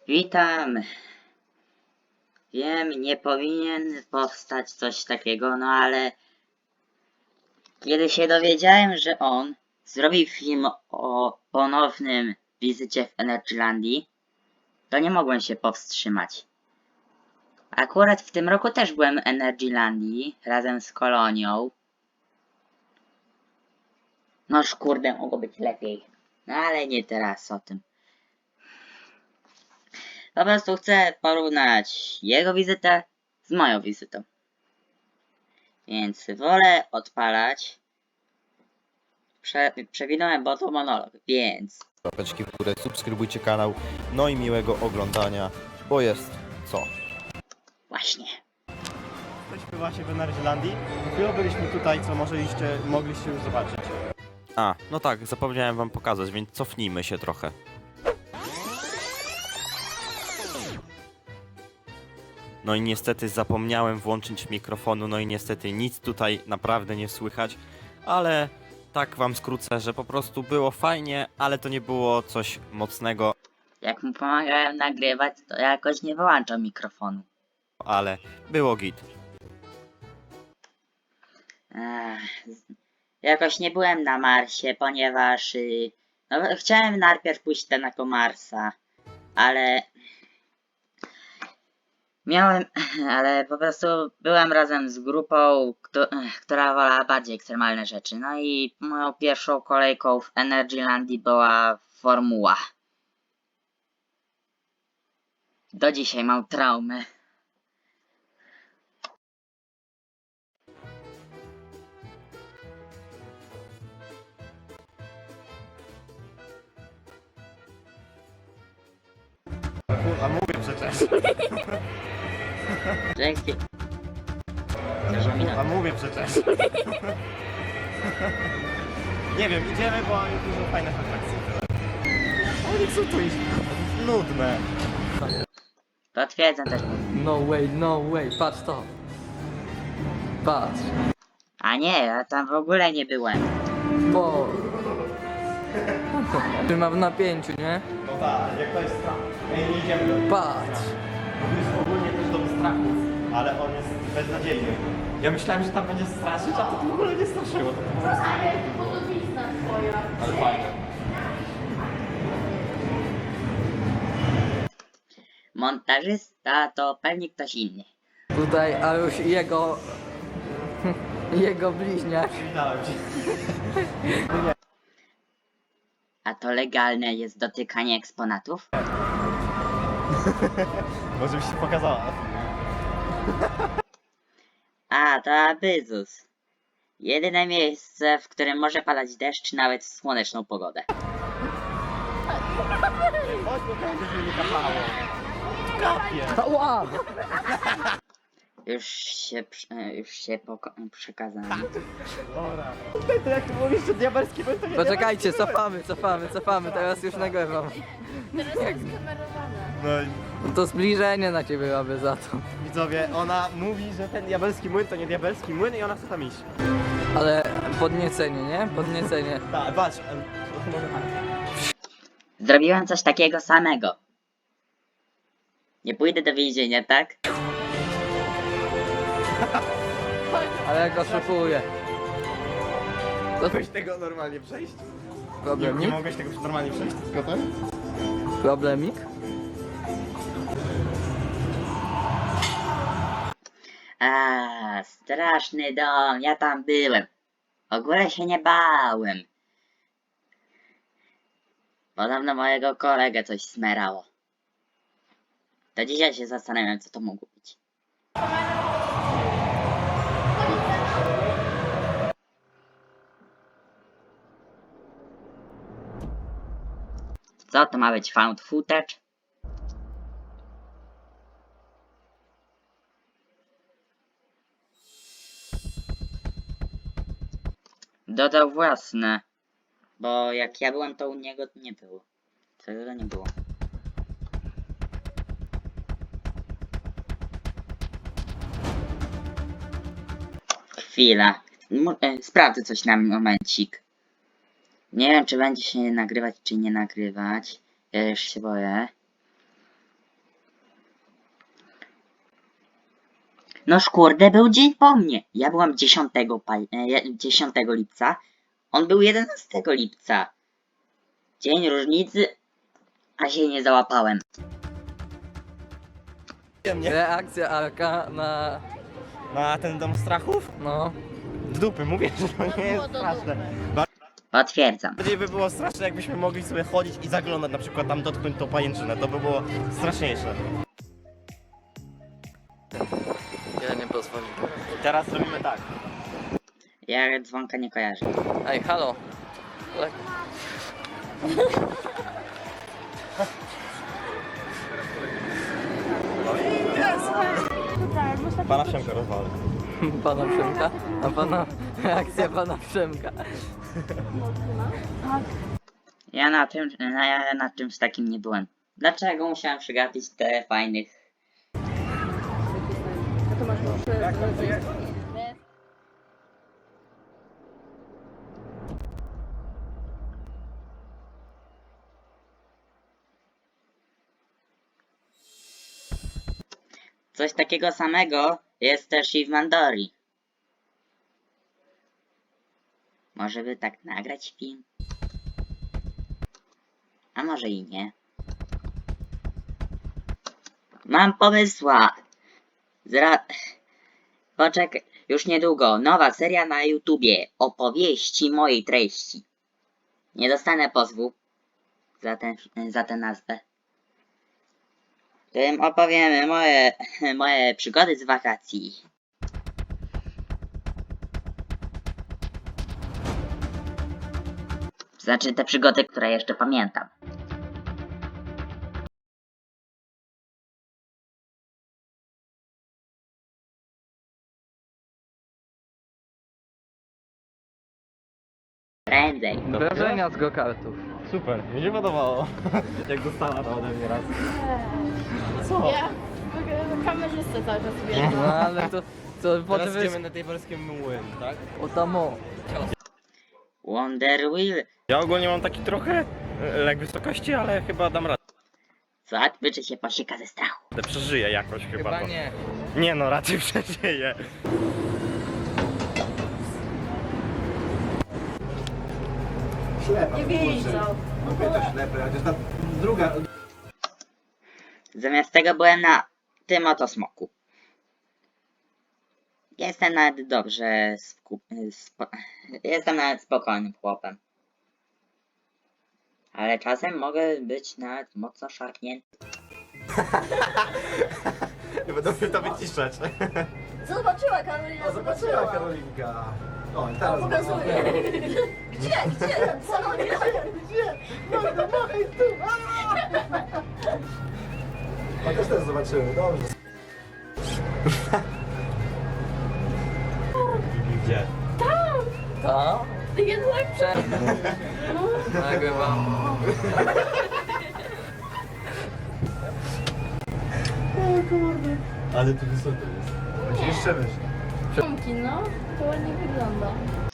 Witam. Wiem, nie powinien powstać coś takiego, no ale kiedy się dowiedziałem, że on zrobi film o ponownym wizycie w Energylandii, to nie mogłem się powstrzymać. Akurat w tym roku też byłem w Energylandii razem z Kolonią. Noż kurde, mogło być lepiej. No ale nie teraz o tym. Po prostu chcę porównać jego wizytę z moją wizytą. Więc wolę odpalać. Przewinąłem, bo to monolog, więc... Łapeczki w górę, subskrybujcie kanał, no i miłego oglądania, bo jest co? Właśnie. Jesteśmy właśnie w Energylandii. Chwilę byliśmy tutaj, co mogliście już zobaczyć. A, no tak, zapomniałem wam pokazać, więc cofnijmy się trochę. No i niestety zapomniałem włączyć mikrofonu, no i niestety nic tutaj naprawdę nie słychać, ale tak wam skrócę, że po prostu było fajnie, ale to nie było coś mocnego, Jak mu pomagałem nagrywać, to jakoś nie wyłączał mikrofonu. ale było git. Jakoś nie byłem na Marsie, ponieważ... no, chciałem najpierw pójść na Marsa, ale... ale po prostu byłem razem z grupą, która wolała bardziej ekstremalne rzeczy. No i moją pierwszą kolejką w Energylandii była Formuła. Do dzisiaj mam traumę. A mówię przecież. Dzięki. A mówię przecież. Nie wiem, idziemy, bo jest dużo fajnych atrakcji. Ale co to jest? Nudne. Potwierdzam też. No way, patrz to. Patrz. A nie, ja tam w ogóle nie byłem. Bo. Trzymam w napięciu, nie? No tak, jak to jest strach. Ej, nie idziemy. Patrz. To jest ogólnie też dom strachów, ale on jest beznadziejny. Ja myślałem, że tam będzie straszyć, a to w ogóle nie straszyło. To po prostu... Podobizna twoja. Ale fajne. Montażysta to pewnie ktoś inny. Tutaj, a już jego. Jego bliźniak. Widziałem cię. A to legalne jest dotykanie eksponatów? Może byś się pokazała. A, to Abyzus. Jedyne miejsce, w którym może padać deszcz nawet w słoneczną pogodę. Chodź, bo będzie mi kapało. Kapie. Ała! Już się przekazałem. Dobra. To jak mówisz, że diabelski był, to nie Poczekajcie, cofamy, teraz już nagrywam. Teraz jest kamerowane. No i No to zbliżenie na ciebie mamy za to. widzowie, ona mówi, że ten diabelski młyn to nie diabelski młyn i ona chce tam iść. Ale podniecenie, nie? Podniecenie. Tak, patrz. Zrobiłem coś takiego samego. Nie pójdę do więzienia, tak? Ale jak oszukuję. Mogłeś tego normalnie przejść? Nie Problemik? mogłeś tego normalnie przejść, tylko ten? Problemik? A, straszny dom, ja tam byłem. W ogóle się nie bałem. Podobno mojego kolegę coś smerało. Do dzisiaj się zastanawiam, co to mogło być. Co to ma być, found footage? Dodał własne. Bo jak ja byłem, to u niego nie było. Tego nie było. Chwila. Sprawdzę coś na momencik. Nie wiem, czy będzie się nagrywać, czy nie nagrywać. Ja już się boję. Noż kurde, był dzień po mnie. Ja byłam 10 lipca, on był 11 lipca. Dzień różnicy, a się nie załapałem. Nie. Reakcja Arka na... Na ten dom strachów? no... W dupy, mówię, że to nie jest straszne. Potwierdzam. Bardziej by było straszne, jakbyśmy mogli sobie chodzić i zaglądać, na przykład tam dotknąć tą pajęczynę. To by było straszniejsze. Ja nie pozwolę. Teraz robimy tak. Ja dzwonka nie kojarzę. Ej, halo. Pana Przemka rozwalę. Pana Przemka? A pana... reakcja pana Przemka. Ja na czymś takim nie byłem. Dlaczego musiałem przegapić te fajnych... Coś takiego samego jest też i w Mandori. Może by tak nagrać film? A może i nie. Mam pomysła! Poczekaj, już niedługo. Nowa seria na YouTubie. Opowieści mojej treści. Nie dostanę pozwu za tę nazwę. W tym opowiemy moje przygody z wakacji. Znaczy te przygody, które jeszcze pamiętam. Prędzej. Wrażenia z go-kartów. Super, mi się podobało. Jak dostała to ode mnie raz. Co? Ja w kamerzystę cały czas wiem. No ale to Teraz potem idziemy na tej polskie młyn, tak? o tamo. Wonder Wheel. Ja ogólnie mam taki trochę lek wysokości, ale chyba dam radę. Co? Wyczy się posieka ze strachu. Przeżyję jakoś chyba. Chyba to. nie. Nie no, raczej przeżyję. Ślepa. Nie widzą. No wie to ślepe, a to jest ta druga. Zamiast tego byłem na tym oto smoku. Jestem nawet dobrze jestem nawet spokojnym chłopem. Ale czasem mogę być nawet mocno szarpnięty. Nie będę mnie to wyciszać. Zobaczyła Karolina, Zobaczyła Karolinka. O, i O, teraz pokazuję. Gdzie? Co? Gdzie? No, machaj tu! A też zobaczyły, dobrze. Gdzie? To? Jednak Nagrywam. Ale tu wysoko jest. Będzie jeszcze wyżej. Przemki, no. To ładnie wygląda.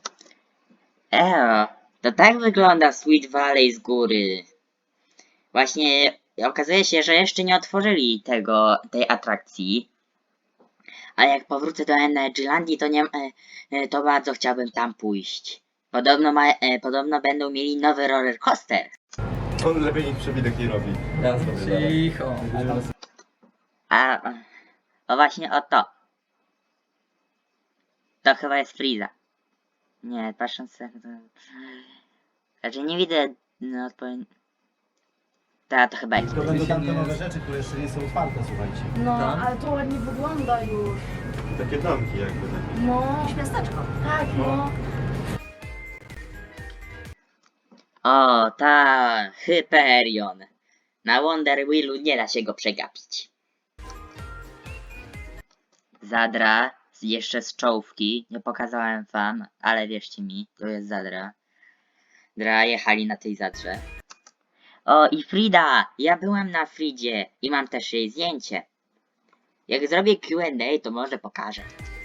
To tak wygląda Sweet Valley z góry. Właśnie okazuje się, że jeszcze nie otworzyli tej atrakcji. Ale jak powrócę do Energylandii, to bardzo chciałbym tam pójść. Podobno będą mieli nowy roller coaster. On lepiej nic przewidek nie robi. Ja zrobię. Cicho. O właśnie o to. To chyba jest Friza. Nie, patrząc na to... Znaczy nie widzę to chyba jest. To będą tam te nowe rzeczy, które jeszcze nie są otwarte, słuchajcie. No, Tam? ale to ładnie wygląda już. Takie domki jakby takie. No. Miasteczko. Tak, no. O, ta Hyperion. Na Wonder Wheelu nie da się go przegapić. Zadra, jeszcze z czołówki. Nie pokazałem wam, ale wierzcie mi, to jest Zadra. Jechali na tej Zadrze. O, i Frida! Ja byłem na Fridzie i mam też jej zdjęcie. Jak zrobię Q&A, to może pokażę.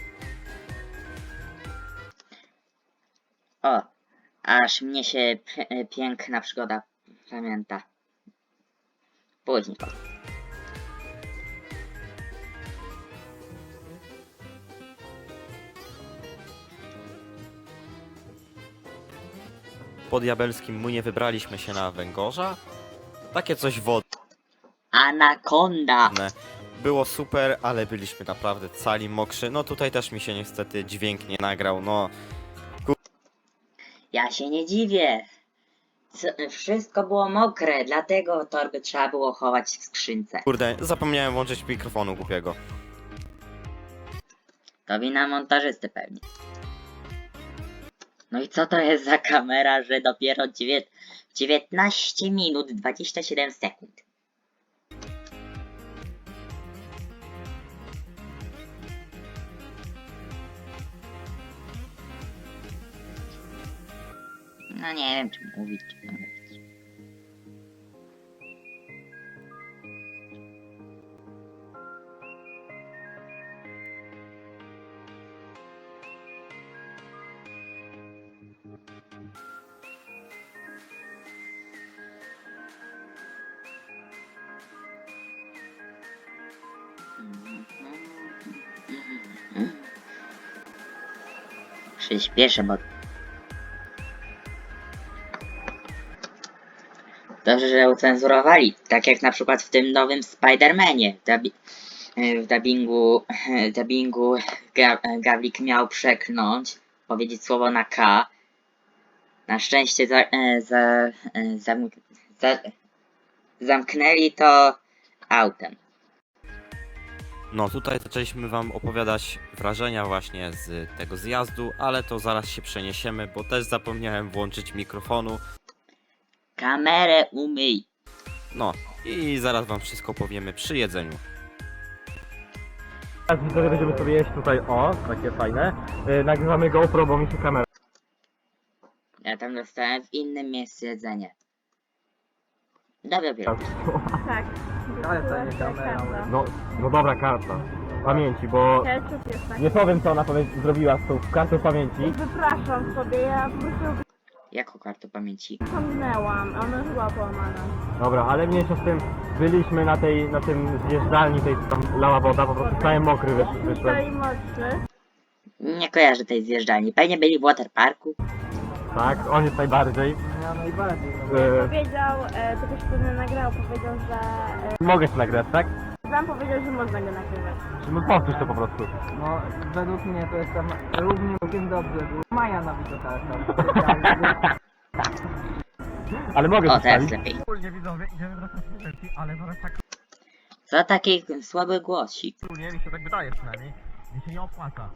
O, aż mnie się piękna przygoda pamięta. Później powiem. po diabelskim Munie wybraliśmy się na węgorza. Takie coś wodne. Anakonda. Było super, ale byliśmy naprawdę cali mokrzy. No tutaj też mi się niestety dźwięk nie nagrał, no. Ja się nie dziwię. Wszystko było mokre, dlatego torby trzeba było chować w skrzynce. Kurde, zapomniałem włączyć mikrofonu głupiego. To wina montażysty pewnie. No i co to jest za kamera, że dopiero 19 minut 27 sekund. No nie wiem, czy mówić, czy nie mówić. Przyspieszę, bo... Dobrze, że ucenzurowali. Tak jak na przykład w tym nowym Spider-Manie. W dubbingu Gawlik miał przekląć, powiedzieć słowo na K. Na szczęście zamknęli to autem. No tutaj zaczęliśmy wam opowiadać wrażenia właśnie z tego zjazdu, ale to zaraz się przeniesiemy, bo też zapomniałem włączyć mikrofonu. Kamerę umyj. No i zaraz wam wszystko powiemy przy jedzeniu. Teraz widzowie będziemy sobie jeść tutaj, o, takie fajne. Nagrywamy GoPro, bo mi się kamera... Ja tam dostałem w innym miejscu jedzenie. Dobra, biorę. Tak. Ale to nie kamera. No dobra, karta. Pamięci, bo Ketchup jest taki. nie powiem co ona zrobiła z tą kartą pamięci. Wypraszam sobie, ja po prostu Jaką kartę pamięci? wspomniałam, ona była połamana. Dobra, ale mniejsza z tym, byliśmy na tym zjeżdżalni, tej tam lała woda, po prostu cały mokry wyszłem. Stoi mocny. Nie kojarzę tej zjeżdżalni. Pewnie byli w waterparku. Tak, on jest najbardziej. Ja najbardziej. Powiedział, to ktoś pewnie nagrał, powiedział, że... Mogę się nagrać, tak? Sam powiedział, że można go nagrywać. No powtórz to po prostu. No, według mnie to jest tam równie całkiem dobrze. Był Maja na widoczach. Ale mogę O, się teraz wstawić. lepiej. Wspólnie widzowie, idziemy wracać do sesji, ale zaraz tak Co taki słaby głosik? nie, mi się tak wydaje przynajmniej. Mi się nie opłaca.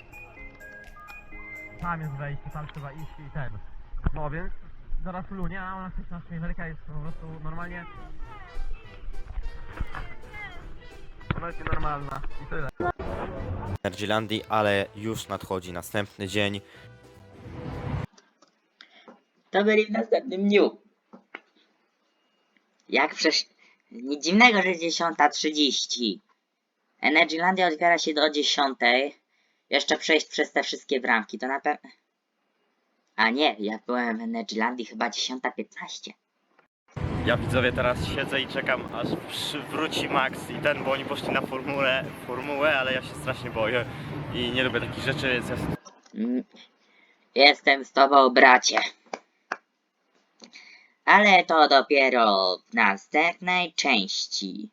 Tam jest wejście, tam trzeba iść i ten. No więc zaraz lunie, a ona chce na Ameryka jest po prostu normalnie. Ona jest normalna i tyle. Energylandii, ale już nadchodzi następny dzień. To byli w następnym dniu. Jak przecież... Nic dziwnego, że 10:30. Energylandia otwiera się do 10. Jeszcze przejść przez te wszystkie bramki, to na pewno... A nie, ja byłem w Energylandii chyba 10:15. Ja widzowie teraz siedzę i czekam aż wróci Max i ten, bo oni poszli na formułę, ale ja się strasznie boję i nie lubię takich rzeczy, więc ja... Jestem z tobą, bracie. Ale to dopiero w następnej części.